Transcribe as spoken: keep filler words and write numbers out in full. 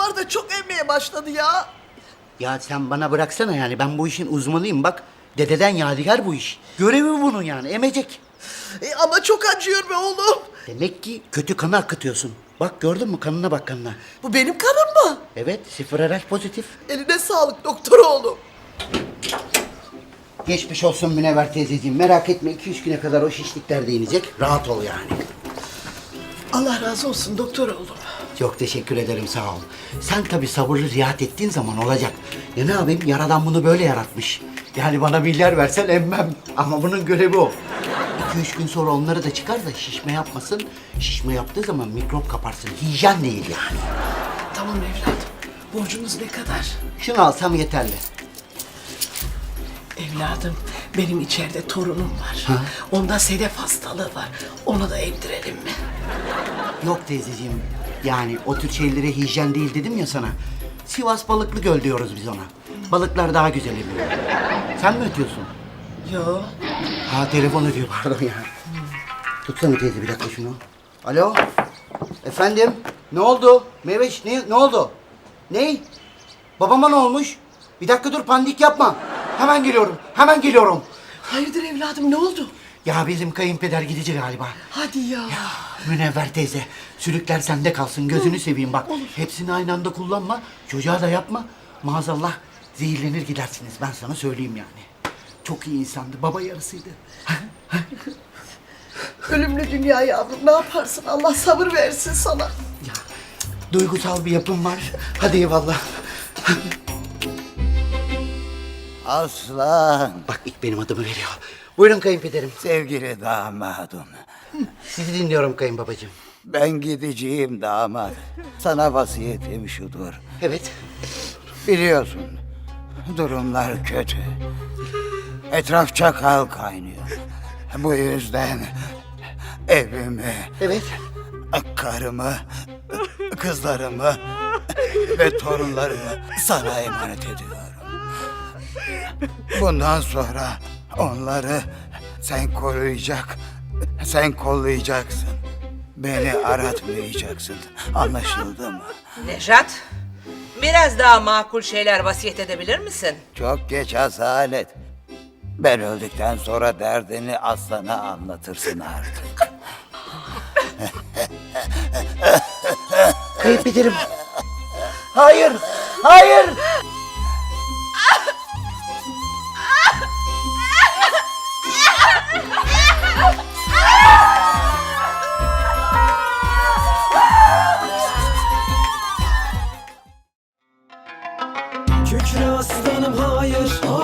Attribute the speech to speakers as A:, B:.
A: doktorlar da çok emmeye başladı ya.
B: Ya sen bana bıraksana yani. Ben bu işin uzmanıyım bak. Dededen yadigar bu iş. Görevi bunun yani. Emecek.
A: E, ama çok acıyor be oğlum.
B: Demek ki kötü kanı akıtıyorsun. Bak gördün mü? Kanına bak kanına.
A: Bu benim kanım mı?
B: Evet. Sıfır R H pozitif.
A: Eline sağlık doktor oğlum.
B: Geçmiş olsun Münevver teyzeciğim. Merak etme. iki üç güne kadar o şişlikler de inecek. Rahat ol yani.
A: Allah razı olsun doktor oğlum.
B: Çok teşekkür ederim, sağ ol. Sen tabii sabırlı riayet ettiğin zaman olacak. Ya ne yapayım, yaradan bunu böyle yaratmış. Yani bana milyar versen emmem. Ama bunun görevi o. İki üç gün sonra onları da çıkar da şişme yapmasın. Şişme yaptığı zaman mikrop kaparsın. Hijyen değil yani.
A: Tamam evladım. Borcumuz ne kadar?
B: Şunu alsam yeterli.
A: Evladım benim içeride torunum var.
B: Ha?
A: Onda sedef hastalığı var. Onu da emdirelim mi?
B: Yok teyzeciğim. Yani o tür şeylere hijyen değil dedim ya sana. Sivas Balıklı Göl diyoruz biz ona. Balıklar daha güzel emiyor. Sen mi ötüyorsun?
A: Yo.
B: Ha telefon ödüyor pardon ya. Tutsana teyze bir dakika şunu. Alo. Efendim. Ne oldu? Meveş ne, ne oldu? Ney? Babama ne olmuş? Bir dakika dur pandik yapma. Hemen geliyorum. Hemen geliyorum.
A: Hayırdır evladım ne oldu?
B: Ya bizim kayınpeder gidici galiba.
A: Hadi ya.
B: Münevver teyze. Sülükler sende kalsın. Gözünü seveyim bak. Hepsini aynı anda kullanma. Çocuğa da yapma. Maazallah zehirlenir gidersiniz. Ben sana söyleyeyim yani. Çok iyi insandı. Baba yarısıydı.
A: Ölümlü dünya yavrum ne yaparsın? Allah sabır versin sana.
B: Ya, duygusal bir yapım var. Hadi eyvallah.
C: Aslan,
B: Bak ilk benim adımı veriyor. Buyurun kayınpederim.
C: sevgili damadım.
B: Sizi dinliyorum kayınbabacığım.
C: Ben gideceğim damat. Sana vasiyetim şudur.
B: Evet.
C: Biliyorsun, durumlar kötü. Etraf çakal kaynıyor. Bu yüzden evimi,
B: Evet.
C: karımı, kızlarımı ve torunlarımı sana emanet ediyorum. Bundan sonra onları sen koruyacak, sen kollayacaksın. Beni aratmayacaksın. Anlaşıldı mı?
D: Nejat, biraz daha makul şeyler vasiyet edebilir misin?
C: Çok geç asalet. Ben öldükten sonra derdini aslana anlatırsın artık.
B: Kayınpederim. Hayır. Hayır.
E: Kükre aslanım hayır,